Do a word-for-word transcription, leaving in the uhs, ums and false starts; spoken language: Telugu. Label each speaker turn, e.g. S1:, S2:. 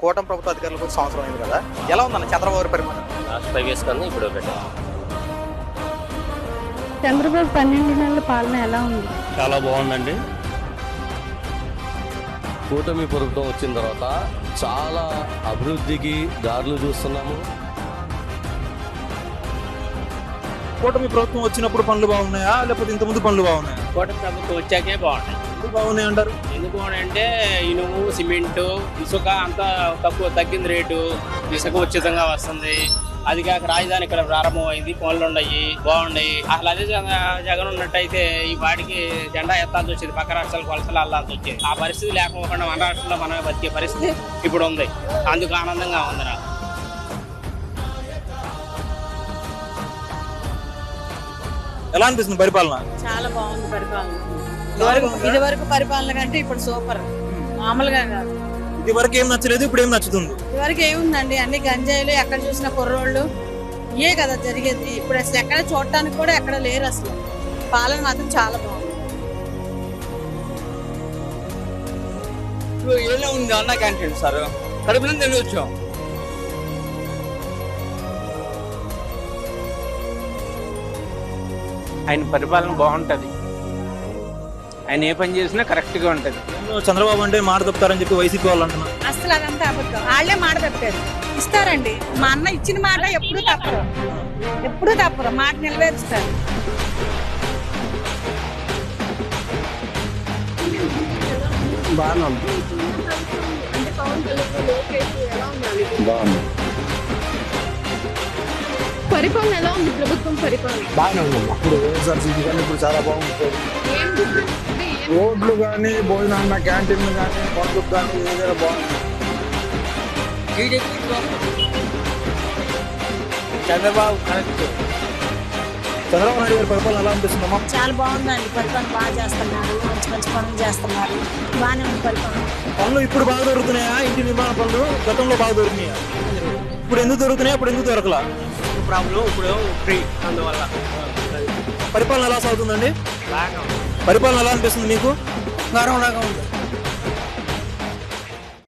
S1: కూటమి ప్రభుత్వ అధికారులకు వచ్చి సంవత్సరం అయింది కదా, ఎలా ఉందన్న చంద్రబాబు గారి పరిపాలన?
S2: లాస్ట్ ఫైవ్ ఇయర్స్ కన్నా ఇప్పుడు ఒకటి
S3: చంద్రబాబు పన్నెండు నెలల పాలన ఎలా ఉంది?
S4: చాలా బాగుందండి.
S2: కూటమి ప్రభుత్వం వచ్చిన తర్వాత చాలా అభివృద్ధికి దారులు చూస్తున్నాము.
S1: కూటమి ప్రభుత్వం వచ్చినప్పుడు పనులు బాగున్నాయా లేకపోతే ఇంతకుముందు పనులు బాగున్నాయా?
S5: కూటమి ప్రభుత్వం వచ్చాకే బాగుంటాయి.
S1: ఎందుకు బాగున్నాయి అంటారు?
S5: ఎందుకు అంటే ఇనుము, సిమెంటు, ఇసుక అంతా తక్కువ తగ్గింది రేటు, ఇసుక ఉచితంగా వస్తుంది. అది కాక రాజధాని ఇక్కడ ప్రారంభమైంది, పనులు ఉన్నాయి, బాగున్నాయి. అసలు అదే జగన్ ఉన్నట్టయితే ఈ వాడికి జెండా ఎత్తాల్సి వచ్చేది, పక్క రాష్ట్రాలకు వలసలు వెళ్ళాల్సి వచ్చేది. ఆ పరిస్థితి లేకపోకుండా మన రాష్ట్రంలో మనమే బతికే పరిస్థితి ఇప్పుడు ఉంది. అందుకు ఆనందంగా ఉంది నాకు.
S1: ఎలా అనిపిస్తుంది పరిపాలన?
S6: చాలా బాగుంది పరిపాలన. ఇదివరకు ఇదివరకు పరిపాలన కంటే ఇప్పుడు సూపర్, మామూలుగా కాదు.
S1: ఇది వరకు ఏం నచ్చలేదు, ఇప్పుడు ఏం నచ్చుతుంది?
S6: ఇదివరకు ఏముందండి, అన్ని గంజాయిలు, ఎక్కడ చూసిన కుర్రోళ్ళు, ఇయే కదా జరిగేది. ఇప్పుడు అసలు ఎక్కడ చూడటానికి కూడా ఎక్కడ లేరు. అసలు పాలన మాత్రం చాలా బాగుంది.
S5: ఇప్పుడు ఏదో ఉంది అన్న క్యాంటీన్ సార్, కడుపులో తినవచ్చాం. ఆయన పరిపాలన బాగుంటది, ఆయన ఏ పని చేసినా కరెక్ట్ గా ఉంటది.
S1: చంద్రబాబు అంటే మాట తప్పుతారని చెప్పి వైసీపీ వాళ్ళు అంటున్నారు.
S6: అసలు అదంతా అబద్ధం. వాళ్ళే మాట తప్పారు. ఇస్తారండి, మా అన్న ఇచ్చిన మాట ఎప్పుడు తప్పరు, ఎప్పుడు తప్పరు, మాట నిలవేరుస్తారు.
S4: బాగుంది. బాగుంది.
S3: పరిపాలన ఎలా ఉంది? ప్రభుత్వం పరిపాలన
S4: బాగానే ఉంది. ఇప్పుడు వైఎస్ఆర్సీపీ కానీ ఇప్పుడు చాలా బాగుంటుంది. రోడ్లు కానీ, భోజనాన్న క్యాంటీన్లు కానీ, పండుగ కానీ ఏదైనా బాగుంది.
S5: చంద్రబాబు కరెక్ట్.
S1: చంద్రబాబు నాయుడు గారి పరిపాలన ఎలా అనిపిస్తుందమ్మా?
S6: చాలా బాగుందండి, పరిపాలన బాగా చేస్తున్నారు, మంచి మంచి పనులు చేస్తున్నారు, బాగానే ఉంది పరిపాలన.
S1: పనులు ఇప్పుడు బాగా దొరుకుతున్నాయా? ఇంటి నిర్మాణ పనులు గతంలో బాగా దొరికినాయా? ఇప్పుడు ఎందుకు దొరుకుతున్నాయి, అప్పుడు ఎందుకు దొరకలా?
S5: ప్రాబ్లం ఇప్పుడు ఫ్రీ, అందువల్ల
S1: పరిపాలన ఎలా సాగుతుందండి?
S5: బాగా
S1: పరిపాలన ఎలా అనిపిస్తుంది మీకు?
S5: గౌరవంగా ఉంది.